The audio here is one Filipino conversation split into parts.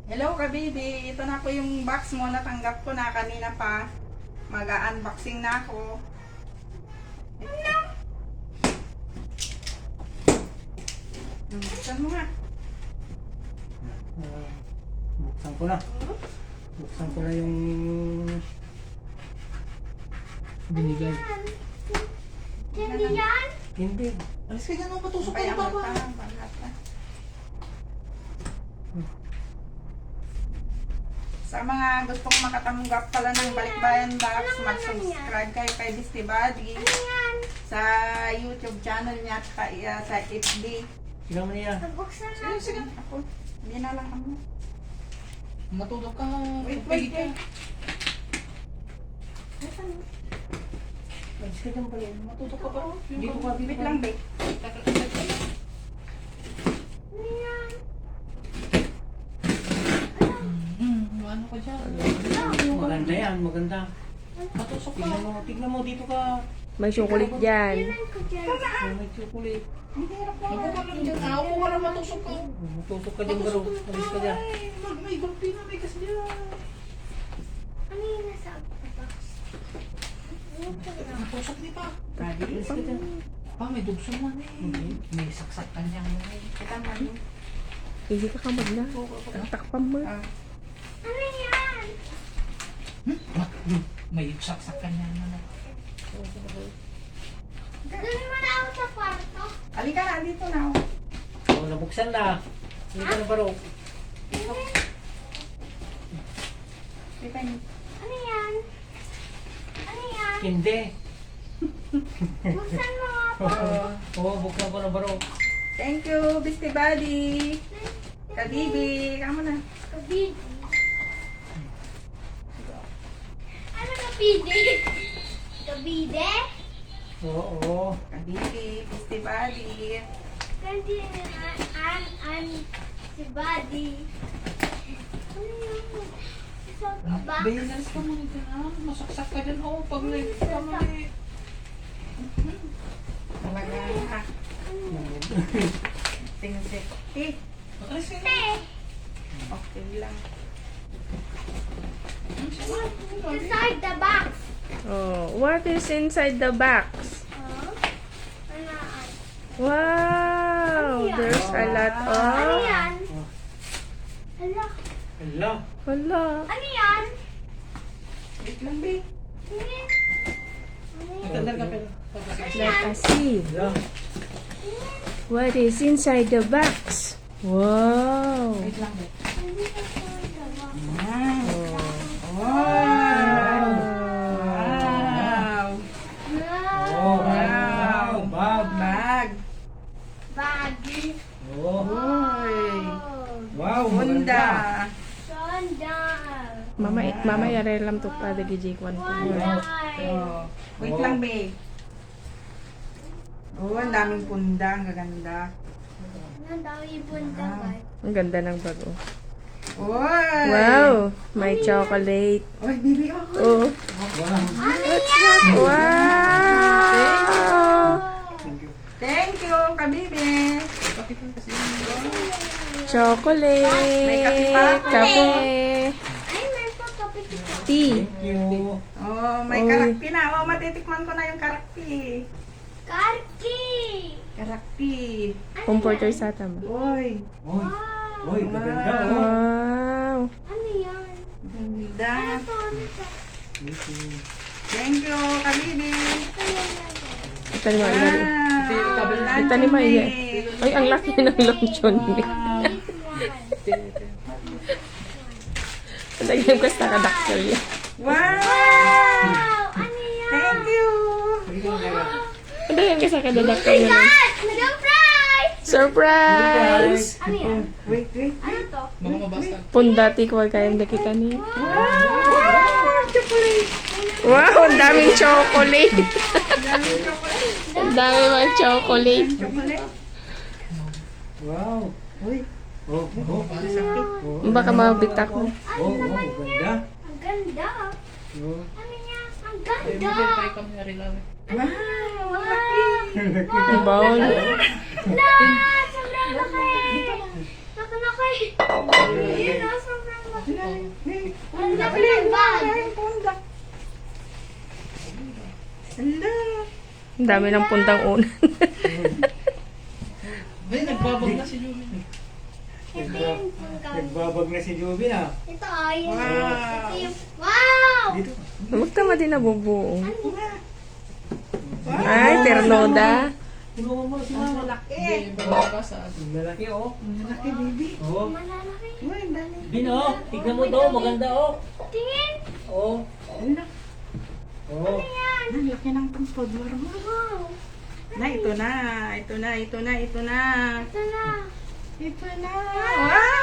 Hello ka baby, ito na po yung box mo, natanggap ko na kanina pa. Mag-unboxing na ako. Buksan mo nga. Buksan ko na. Buksan ko na yung binigay. Hindi yan? Hindi. Alis ka dyan, patusok ka yung baba. Sa mga gustong makatanggap pala ng Balikbayan Box, mag-subscribe kayo kay Beastie Buddy Ano yan? sa YouTube channel niya at sa FB. Sigaw mo niya. Nagbuksan Sige, na. sige. Ako, hindi na lang ako. Matulog ka. Wait, wait, wait. Alis ka dyan pala. Matulog ka pa. Dito ka, dito Wait ka. lang, babe. Ano yan? Ano ka dyan? Maganda yan, maganda. Patusok ka. Tignan mo, dito ka. May chocolate dyan. Tingnan ko dyan. May chocolate. Ang hirap na. Ako ka lang dyan. Ako ka lang matusok ka. Matusok ka dyan, bro. Alis ka dyan. May gulpi na, may kasi dyan. Ano yung nasa box? Ano ko lang? Matusok ni pa. Daddy, Alis ka dyan. Pa, may dugso man eh. May saksak ka dyan. kita man. Hindi ka kamag na. Takpan mo. Ano yan? May saksak ka dyan. Dadalhin mo na ako sa kwarto. Halika na, dito na. Oh, nabuksan na. Hindi ka na, bro. Kita niyo. Ano yan? Ano yan? Hindi. Buksan mo nga po. Oo, buksan ko na, bro. Thank you, Beastie Buddy. Kabibi, kamo na. Kabidi. Ano kabidi? Kabide? Oo. Kabibi, Beastie Buddy. Kandi an si Buddy. Ano yan? Sa box? Behinas ka muna dyan. Masaksak ka dyan. Oo, pag late ka mali. Talaga. Tingin si. Alis ka Te, Okay lang. inside the box. Oh, what is inside the box? Huh? Ano? Wow! There's a lot Ano of... yan? Hala. Hala. Wala. Ano yan? Wait lang, babe. Tingin. Ano yan? Tandal ka pero. Let us see. Hala. What is inside the box? Wow! Wait lang, babe. Hindi ko inside the box. Wow. Wow. Oh, Wow. Bag. Bag. Baggy. Oh. Uy. Wow, Honda. Sandal. Mama yarelam to pa dagi J1 ko. Oh. Wait lang, babe. Oh, ang daming punda. Ang gaganda. Ang dami punta ba? Ang ganda ng bag, oh. Uy. Wow! May chocolate. Uy, baby, oh. Oh. Wow! Thank you, kabibi. Chocolate. May kape pa? Kape. Ay, may pagkapit ito. Tea. Thank you. Oh, may Uy. karakpi na. Oh, matitikman ko na yung karakpi. Karki! Karakpi. Comforter sa tama. Uy. Oy. Wow! Oy, kaganda oh. Wow! Ano yan? Ganda. Ano to? Ano to? Thank you. Thank you, kabibi. Ito yan yan. Ito ni Maya. Wow. Ito ni Maya. Ay, ang laki ng luncheon ni. Lagyan ko sa kadaksil niya. Wow. Wow! Ano yan? Thank you. Lagyan ko sa kadaksil niya. God! Madam Price! Surprise! Ano yan? Wait, wait. Ano to? Pundati ko kayong nakita niya. Wow. Chocolate. Wow, ang daming chocolate. Daming chocolate. Ang dami mga chocolate. Chocolate. Wow. Uy. Oh, oh. Oh, Baka mabitak mo. oh, ganda. Ang ganda. Oh. Ano yan? Ang ganda. Wow. Ang bawal. La! Sobrang laki! Laki-laki! Yun, sobrang Ang laki ng bag. Punda. Hala. Ang dami ng puntang unan. Ay, nagbabag na si Jubin. Ito yung pangkal. Nagbabag na si Jubin ah. Ito ay. Wow. Ito yung, wow! Dito. Magtama din nabubuo. Ano? Ay, ternoda. Tulungan mo si Mama. Malaki. Malaki oh. Malaki, baby. Oh. Malalaki. Uy, ang dami. Bin oh. Tignan mo to. Maganda oh. Tingin. Oh. Hala. Oh. Ang laki ng pangpod. Wow. Na, ito na. Ito na, ito na, ito na. Ito na. Ito na. Wow!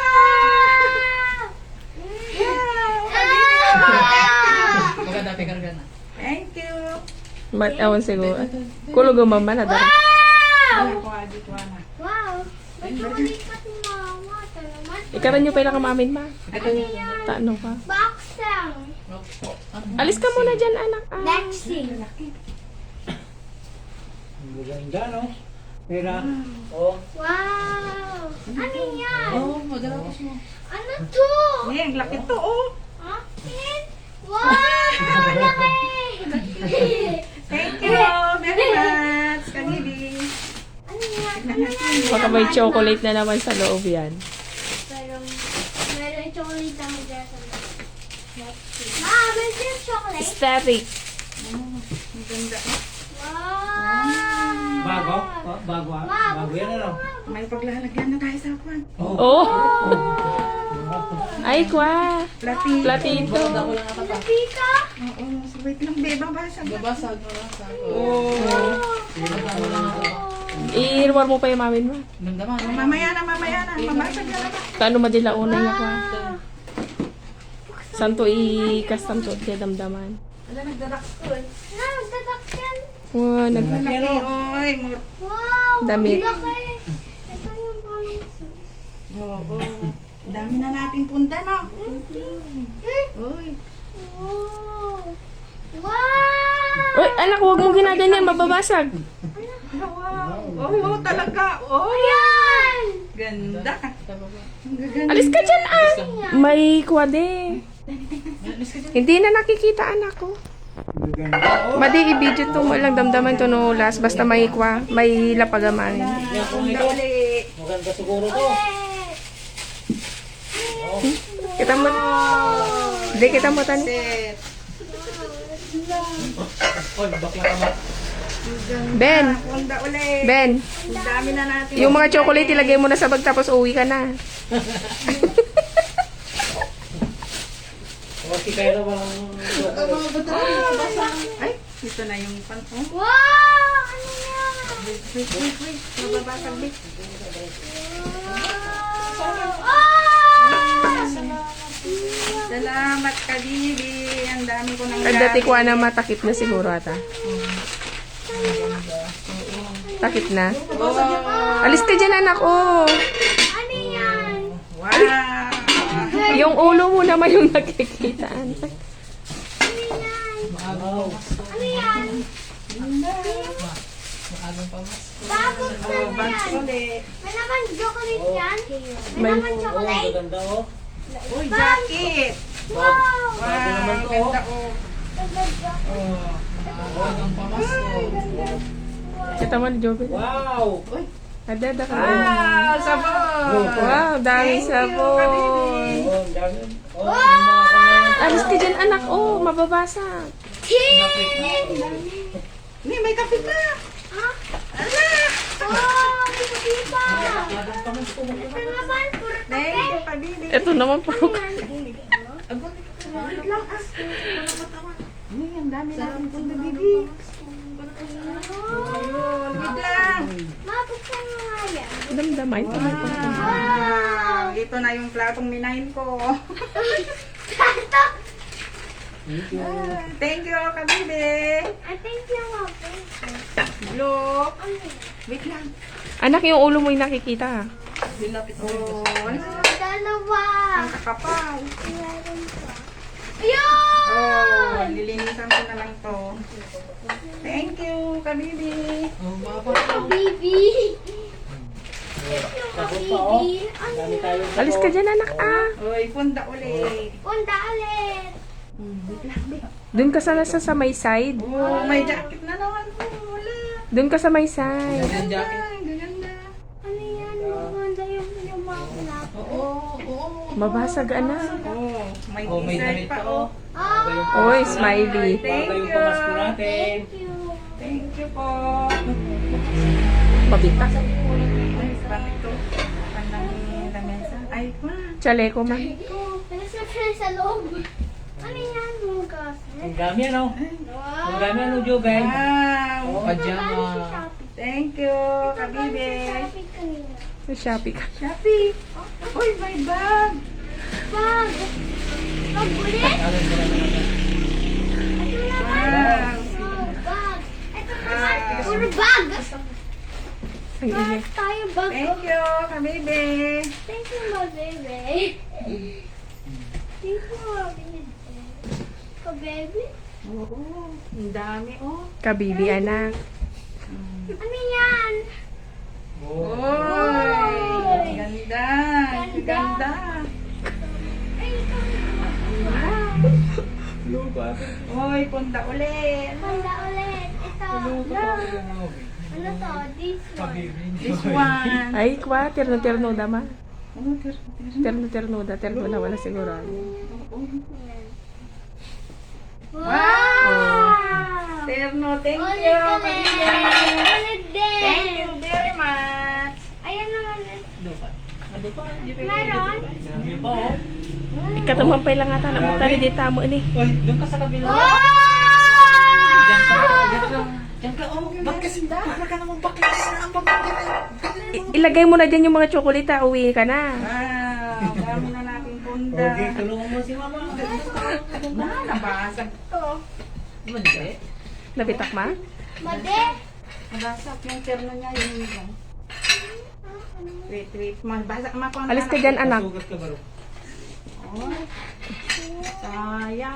Wow! Maganda, pikarga na. Thank you. Ewan siguro. Kulog ang mama na dara. Ano ko, Adi, ko na. Wow! May chocolate pa si Mama. Ito naman. Ikaw nyo pala kamamin ma. Ano yan? Tano ka. Boxing. Alis ka muna dyan anak. Ah. Boxing. Maganda no. Pera. Oh. Wow! Ano yan? Oo, madala ko siya. Ano to? Eh, ang laki to, oh. Ha? Tingin? Wow! Laki! Thank you very much, Kabibi. Ano yan? Ano yan? Baka may chocolate na naman sa loob yan. Meron chocolate ang dyan sa loob. Ma, meron yung chocolate? Static. Ang ganda. Wow! Bago? Oh, bago ah. Ma, Bago yan ano. May paglalagyan na tayo sa kwan. Oh! Ay, kwa. Plati. Platito. Maganda ko lang ata pa. Lapita? Oo, so wait lang, beba ba? Babasag, babasag. Oh. Maganda ko lang ata pa. I-reward mo pa yung mamin mo. Damdaman. Mamaya na, mamaya na. Mamasag na lang. Kano madila una niya kwa. Santo i-custom to kaya damdaman. Wala, nagdadak ko eh. Na, magdadak yan. Wow, nag... Malaki, oy. Wow! Damit. Laki. Ito yung pangit. Oo. Dami na nating punta, no? Uy. Wow! Wow! Uy, anak, huwag mo ginaganyan, mababasag. Wow. Oh, talaga. Oh. Ayan! Ganda. Ang gaganda. Alis ka dyan, ah. May kwade. Hindi na nakikita, anak ko. Maganda oh. Madi, i-video to mo lang damdaman to no last. Basta may kwa, may lapagaman. Yan kung Ganda ito. uli. Maganda siguro to. Kita mo. Hindi, kita mo tani. Set. Oy, bakla ka ba? Ben, Ganda uli. Ben. Ang dami na natin. Yung mga chocolate, ilagay mo na sa bag tapos uwi ka na. O, si Kaya na walang... Ay, ito na yung pan. Oh. Wow! Ano yan? Wait. Mababasag, wait. Salamat, Kabibi. Ang dami ko nang Ang dati ko na matakip na siguro ata. Takip na. Oh. Alis ka dyan, anak. Oh. Ano yan? Wow. Yung ulo mo naman yung nakikita, anak. Wow. Ano yan? Maagang pa mas. Bakit na Oh, bags yan? ulit. May naman chocolate yan? May May- naman Oh, chocolate? maganda oh. Uy, jacket. Wow! Bago naman to, Ganda, oh. Oh. Maagang pa mas. Kita mo, Joven. Wow. Adada ka. Wow, sabon. Wow, dami Thank you, sabon. Kabibi. Oh, ang dami. Oh, yung mga kanya. Alis ka dyan, anak. Oh, mababasa. Ni, may kape pa. Ha? Ala. Wow! May kape pa! Maagang pa mas. Ito naman, puro Thank kape. you, Kabibi. Ito naman po. Wait lang, ah. Ni, ang dami natin punta, Bibi. Ayun, wait lang. Mabuksan mo nga yan. Damdamay. Wow. Ito na yung platong minahin ko. Tato! Thank you, Kabibi. I think yung mabuksan. Look. Ano yan? Wait lang. Anak, yung ulo mo yung nakikita. Oh, ano? Dalawa! Ang kakapal. Meron pa. Oh, Ayun! lilinisan ko na lang to. Thank you, Kabibi. Oh, mababa. Baby! Sabot pa, oh. Dami tayo. Alis ka dyan, anak, ah. Uy, punta ulit. Punta ulit. Doon ka sana sa may side. Oh, may jacket na naman po. Wala. Doon ka sa may side. Yung jacket. Ay, gaganda. Ano yan? Maganda yung mga plato. Oo. Mabasag, anak. Oh, may Oh, may t-shirt damit pa, pa, oh. Ah, Oy, smiley. Thank Bago yung you. pamasko natin. thank you. Thank you po. Pabita. Ay, pan ito. Panang lamesa. Ay, ma. Chaleco, ma. Ito, pinasakyan sa loob. Ano yan? Mugas. Ang dami ano? Wow. Ang dami ano, Jobel? Wow. Pajama. Thank you, kabibe. Shopping kanina. Sa Shopee ka. Shopee. Uy, may bag. Bag. Bag ulit? Ano yung dala naman? Ito naman. Wow. Oh, bag. Ito naman. Puro bag. Ang ingay. Tayo bag. Thank you, kabibe. Thank you, my baby. Thank you, my baby. Ka-baby? Oo, ang dami, oh. Kabibi, anak. Ano yan? Oh. Uy, ganda. Ganda. Ay, ito. Lupa. Uy, punta ulit. Panda ulit. Ito. Ano to? This one. This one. Ay, kwa. Terno-ternoda, ma. Oh, Terno-ternoda. Terno na wala sigurado. Wow! Terno, thank Ulit you. ulit. kabibe. Ulit din. Thank you very much. Ayan naman. Lupa. Ano pa? Meron? Dami pa, oh. Ikatumampay lang ata. Namutari di tamo ni. Uy, doon ka sa kabila. Wow! Diyan ka. Diyan ka, oh. Ba't kasi para ka naman bakit na ang Ilagay mo na dyan yung mga tsokolita. Uwi ka na. Wow, dami na nating punta. Okay, tulungan mo si mama. Nabasag to. Mandi. Nabitak, ma? Made. Nabasag yung terno niya, yun lang. Wait. Mabasag, makuha Alis ka dyan, anak. Sugat ka baro. Oh, sayang.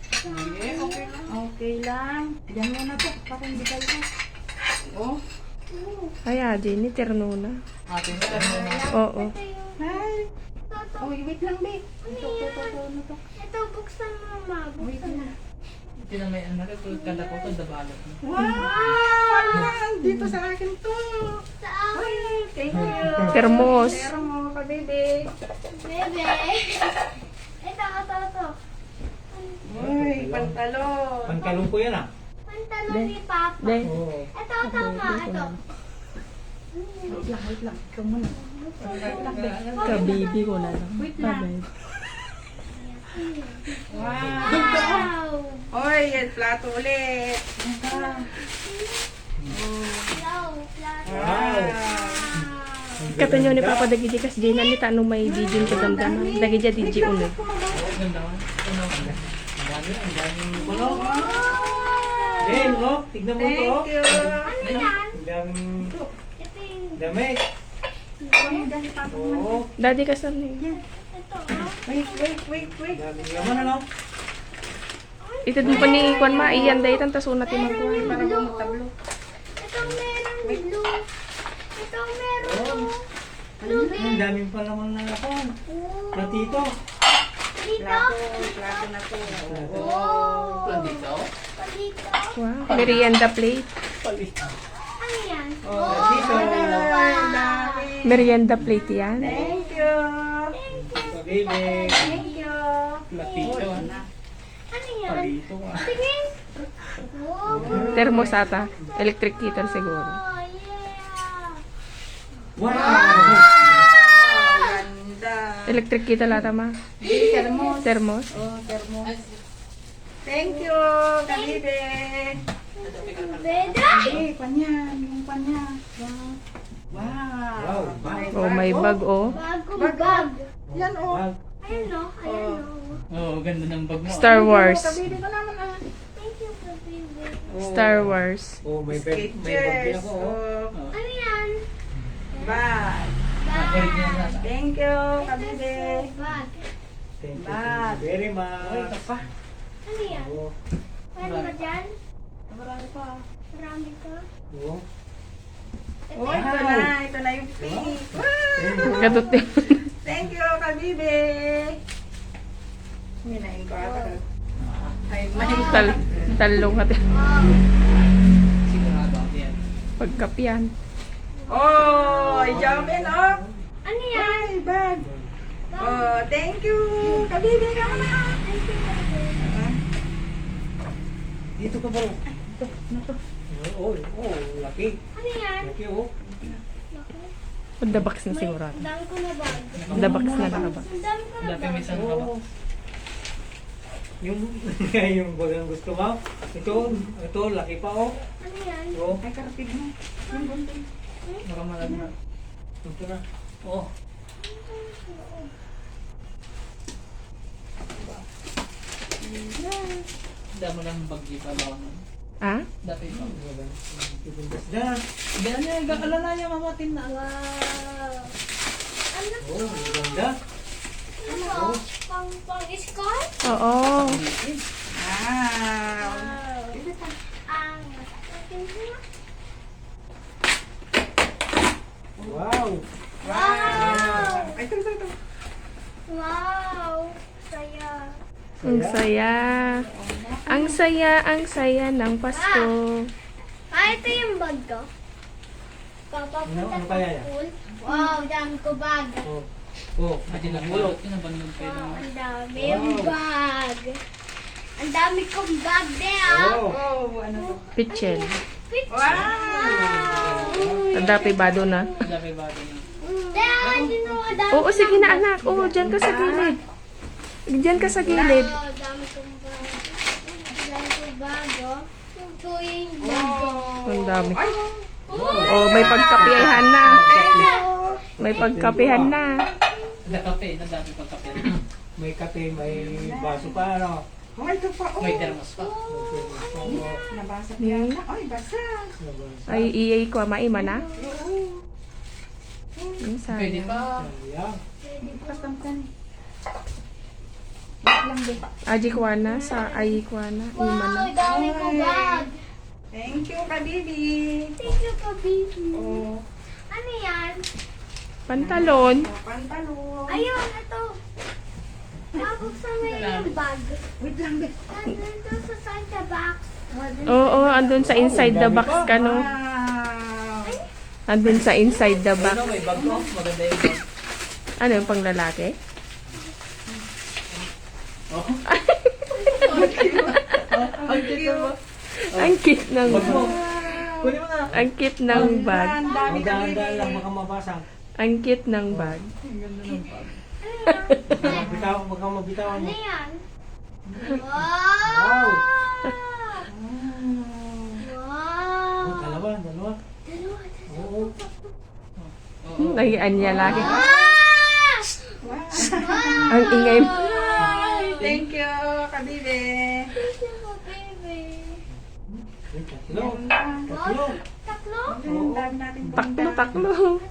Okay lang. Diyan mo na to. Para hindi kayo na. Oh. Ay, Jenny. Terno na. Atin na ano na. Oo. Hi. Toto. Oh, wait lang, babe. Ano to? Ito, buksan mo, ma. Buksan mo. Ito na may anak ko. Kada ko ito, dabalot mo. Wow! Dito sa akin to. Sa akin. Ay, thank you. Termos. Termo ka, baby. Bebe. Ito. Uy, pantalon. Pangkalong ko yan ah. Pantalon ni Papa. De. Oo. Ito, ma. Ito. Wait lang. Ikaw muna. Kabibi ko na lang. Wait lang. Bye-bye. Wow! Uy, yan, plato ulit. Hello. Wow. Kato nyo ni Papa Dagiji kas di na ni tanong may dijin ka damdaman. Dagiji diji ulit. Ganda man. Ano? Ang daming kulo. Ben, oh. Tignan mo ito, oh. Thank you. Ano yan? Ang daming Ito yung... damit. Oo. Daddy kas ni. Ito, Wait. Daming laman, ano? Ito din pa ni Kwan ma. Iyan dahi tan tasunat yung magkuhan. Para bumutablo. Ito meron blue. Ito meron blue Ang din. daming pa naman na ako. Platito. Dito. Plato na to. Oh. Dito. Palito. Wow. Merienda plate. Palito. Ano yan? Oh, dito. Dami. Merienda plate yan. Thank you. Baby. Thank you. Platito. Ano yan? Palito ah. Tingin. Oh. Termosata. Electric kettle siguro. Oh, yeah. Wow! Ganda. Electric kettle ata ma. Termos. Termos. Oh, termos. Thank you, kabibe. Beda. Eh, panya. Yung panya. Wow. Wow, bag. Oh, may bag oh. Bagong bag. Yan, oh. Bag. Ayan o. Ayan o. Oo, ganda ng bag mo. Star Wars. Kabibe ko naman, ah. Thank you, baby. Star Wars. Oh, may bag. May bag din Sketchers. ako. Oh. Oh, Ano yan? bag. Balik niya na. Thank you, kabibe. Bag. Thank you Bag. very Uy, much. ito pa. Ano yan? Oh. Meron ba dyan? Marami pa. Marami ka? Oh. Oh, ito na yung pink. Wow! Kadot din. Thank you, Kabibe. Hinahin ko ata. Ay, Talong natin. Sigurado ako yan. Pagkapian. Oh, jump in, oh. Ano yan? Ay, bag. Oh, thank you. Kabibe ka na. Dito ka ba? Ito, ito. Oh, laki. Ano yan? Laki, oh. The box na sigurado. Ang dami ko na bag. The box na nakabak. Ang dami ko na Dati bag. may isang kabak. Oo. Yung bagang gusto mo. Ito, laki pa, oh. Ano yan? Oh, Ay, karapig mo. Yung bunting. Baka malagna. ito na. Oo. Damo ng bagyo pa ba? Ah? Dati pa. Ibundas na. Ganyan niya, gakalala niya mamatin na. Ano to? Oh, ganda. Ano? Pang-score? Oo. Wow. Ang Wow. Wow. Ay, ito. wow! Saya. Ang saya. Ang saya, ang saya ng Pasko. Ito yung bag ko. Papapunta Ano sa kaya yan? pool. Wow, dami ko bag. Oh. Oh, Pati na mulot. yun, nabandog kayo Wow, ng... ang dami Wow. yung bag. Ang dami kong bag there. Oh. Oh, ano to? Pichel. Picture. Wow. Ang dapi ba doon na? Dami ba doon na? There, you know, ang dami Oo, sige na anak. Oo, dyan ka sa gilid. Dyan ka sa gilid. Wow, dami kong bag. Ang dami kong bag, oh. Ito yung bag ko. Ang dami. Ay, Oh, may pagkapihan na. May pagkapihan na. Nakape, na dami pang kape. May kape, may baso pa, ano? oh, ito pa. Oh. May termos pa. Nabasa yan. Ay, basa. Ay, iyay ko, maima na. Oo. Ang Pwede sayang. pa. Ayan. Kastamkan. Aji Kwana sa Ayi Kwana. Ima Wow, na. ang dami kong bag. Thank you, Kabibi. Thank you, Kabibi. Oh, Ano yan? Pantalon. pantalo. Ayun, ito. Nabuksan mo yung bag. Wait lang, be. Nandun sa Santa box. Oo, andun sa inside the box ka, no? Wow. Andun sa inside the box. Ano, may bag ko. Maganda yung bag. Ano yung pang lalaki? Oh. Ang cute. Ang cute ng Bag mo. bag. Kunin mo na. Ang cute ng bag. Ang dami, Magdaan-daan lang, Kabibi. baka mabasag. Ang cute ng bag. Ang ganda ng bag. Baka mabitawan Ano mo. yan? Wow. Wow! Oh, Wow! dalawa. Dalawa. Oo. Oo. Nahian niya lagi. Ah! Ang ingay mo. Thank you, Kabibi. Thank you, baby. Ay, tatlo. Ganda. Tatlo. Tatlo? Ang dami natin Taklo, taklo.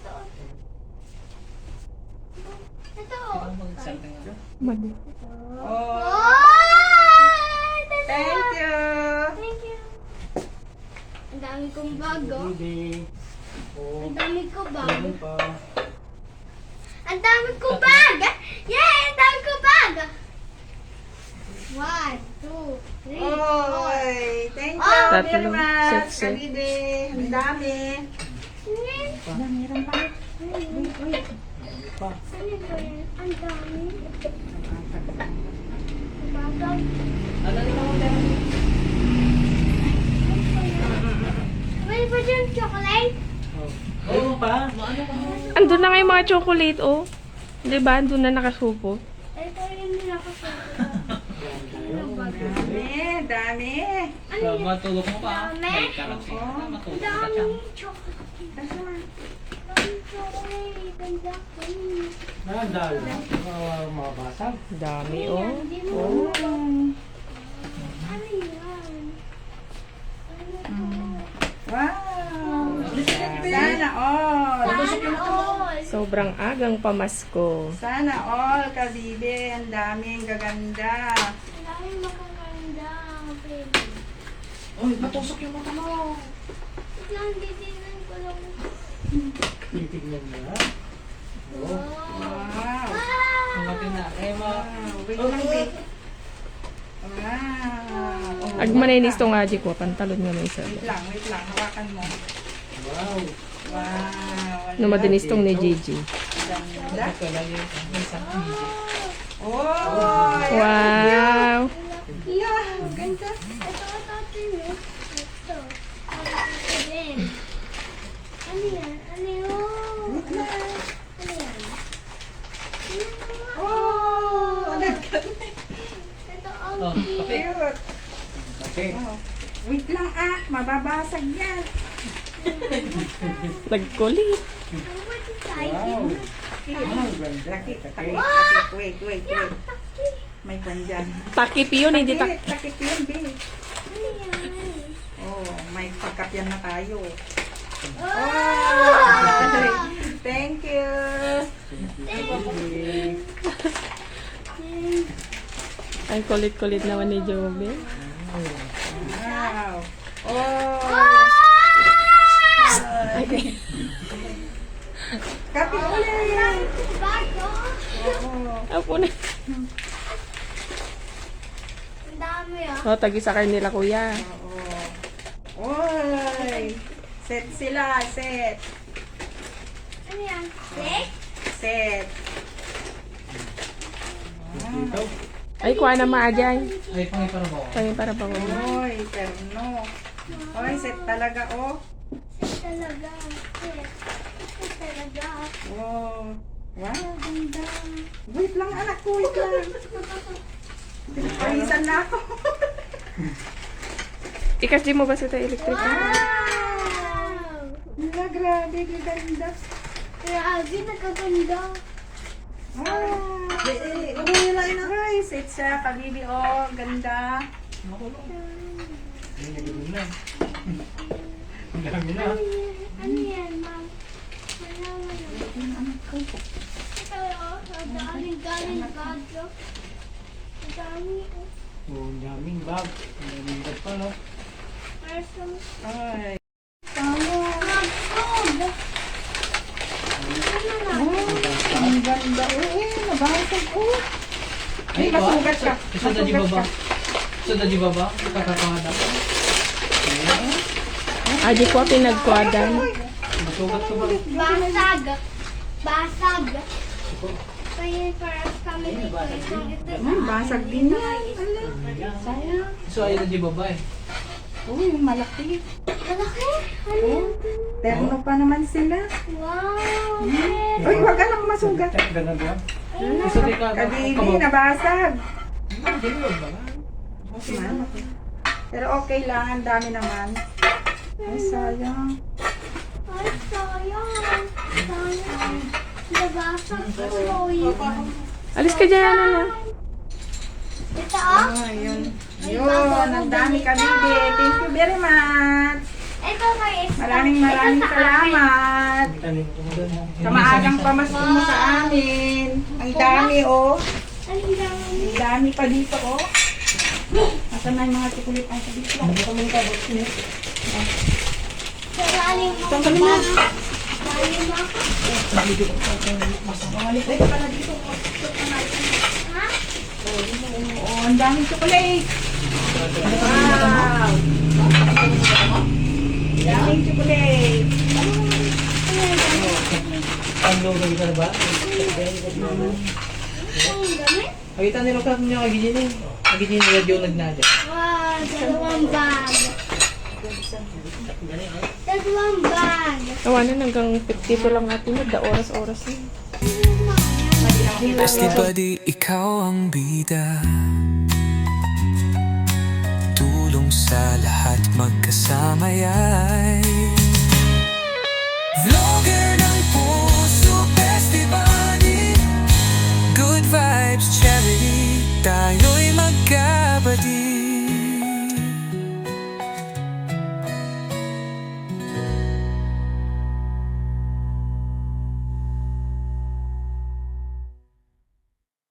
Ito. Ano mag-something ako? Mali. Oh, thank you. Thank you. Ang dami kong bag, oh. Baby. Oh, Ang dami ko bag. meron pa. Ang dami ko bag! Yay! Ang dami ko bag! 1, 2, 3, 4. Oy, thank you Oh, very tatlo. much, Set. Kabibi. Ang dami. Meron Pa. Ano ba yan? Ang dami. Bagag. Ano na ako dyan? May ba dyan chocolate? Oh. Meron pa. Maano ka mo? Andun na nga yung mga chocolate, oh. Di ba? Andun na nakasupo. Ito yung nilakasunod. Dami, dami. Ano yan? Matulog mo pa. Dami? May karot siya. Oo. Ang Matulog ka siya. dami chocolate. Nasaan? Ang dami chocolate. Ang dami. Nandal. Mabasag. Dami, Ano oh. yan? Hindi mo Oh. Ano yan? Ano to? Wow. Sana all. Sana all. Sobrang agang pamasko. Sana all, Kabibi. Ang dami, ang gaganda. Ang dami makakanda, baby. Uy, matusok yung mata mo. Wait lang, titignan ko lang. Titignan mo ha. Wow. Ang katina. Eh, Wait lang, babe. Wow. Ag maninis tong aji ko, pantalon nga may isa. Wait lang. Hawakan mo. Wow. Wow. No madinis tong ni Gigi. Ganda. Ito lagi. May isang video. Oh, Wow! yeah, ganda. Ito. Ito. Ano yan? Ano yun? Ano yan? Oh, ganda. Ito ang Oh, kape. Cute. Kape. Oh. Wait lang mababasag yan. Nagkulit. Wow. Wow, ganda. Takip. Kape. Wait. May pandyan. Takip yun, hindi Takip yun, babe. Ano yan? Oh, may pagkapyan na tayo. Oh! Thank you. Ang kulit-kulit naman ni Joby. Wow. Oh. Kapi ulit. Bago. Oh. Apo na. Ang dami ah. O, tagisakay nila kuya. Oo. Oy. Set sila, set. Ano yan? Steak? Set. Ito. Ay, kuha na maajay. Ay, pangipara mo. Kaya para pa ko. Oy, terno. Oy, set talaga, oh. Steak talaga. Steak talaga. Oh. Wow, ganda. Wait lang, anak ko, wait lang. Pinapawisan na ako. Ikas di mo ba sa tayo electric? Wow! Wala, grabe, ganda. Grabe, nagkaganda. Wow. Wala na guys. Set siya, kabibi, oh, ganda. Ay, nagulong na. Ang dami na. Ano yan, ma'am? Malaman na. Ito, oh. Ang daming galing bagyo. Ang dami, oh. Oh, ang daming bag. Ang daming bag pa, no? Parang Ay. magkog. Oh, ang ganda. Nabasag ko. Ay, masugat ka. Isa na di baba. Isa na di baba. Kakakahada ko. Aji ko pinagkwadan. Masugat ko ba? Basag. Basag. Kaya parang kami dito. Basag din yan. Sayang. So, ayun na di baba eh. Uy, malaki. Malaki. Ano yan? Terno pa naman sila. Wow. Uy, wag ka lang masugat. Ganun ba? Isa di ka. Kabibi, nabasag. Hindi mo ba? Pero okay lang, ang dami naman. Ay, sayang. Ay, sayang. Sayang. Nabasag ko. Alis ka dyan, ano na. Ito, oh. Ayun. Yun, ang dami kabibi. Thank you very much. Ito guys. Maraming salamat. Sa maagang pamasko mo sa amin. Ang dami, oh. Ang dami. Ang dami pa dito, oh. Nasaan na yung mga tikulit ang sabi ko? Sa lalim mo. Saan kami na? Lalim mo ako. Mawalik tayo pala dito. Ha? Oh, ang daming chocolate. Wow. Daming chocolate. Ang logo ka na ba? Ang dami. Nakita nila ka niya kagigin eh. Kagigin nila Joe nagnadya. Wow, dalawang bag. Dalawang bag. Tawanan hanggang 52 lang natin mo. Da oras-oras na. Besti buddy, ikaw ang bida. Tulong sa lahat magkasama ay vlogger ng puso, Besti buddy. Good vibes charity, tayo'y magkabati.